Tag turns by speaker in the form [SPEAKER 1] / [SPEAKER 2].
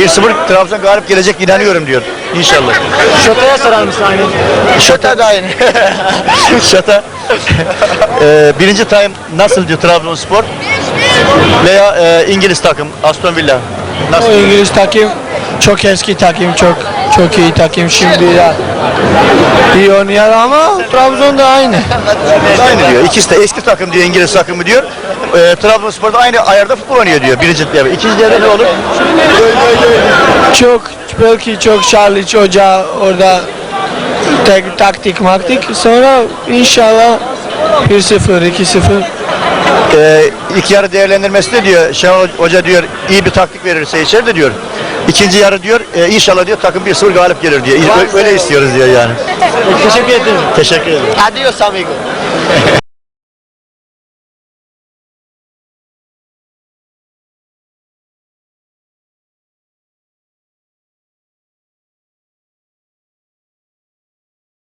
[SPEAKER 1] 1-0 Trabzon galip gelecek inanıyorum diyor. İnşallah.
[SPEAKER 2] Şota'ya sorar mısın aynı?
[SPEAKER 1] Şota da aynı. Şota. Birinci time nasıl diyor Trabzonspor? Veya İngiliz takım Aston Villa. Nasıl?
[SPEAKER 3] O İngiliz takım çok eski takım, çok iyi takım şimdi ya. İyi oynuyor ama Trabzon da aynı.
[SPEAKER 1] Aynı diyor. İkisi de eski takım diyor, İngiliz takımı diyor. Trabzonspor'da aynı ayarda futbol oynuyor diyor. Birinci devre. İkinci devre ne olur?
[SPEAKER 3] Belki çok Charlie Hoca orada taktik sonra inşallah 1-0 2-0.
[SPEAKER 1] İlk yarı değerlendirmesi de diyor. Şenol Hoca diyor iyi bir taktik verirse içeride diyor. İkinci yarı diyor inşallah diyor takım 1-0 galip gelir diyor. Öyle istiyoruz diyor yani.
[SPEAKER 2] Teşekkür ederim.
[SPEAKER 1] Teşekkür ederim.
[SPEAKER 2] Adios amigo.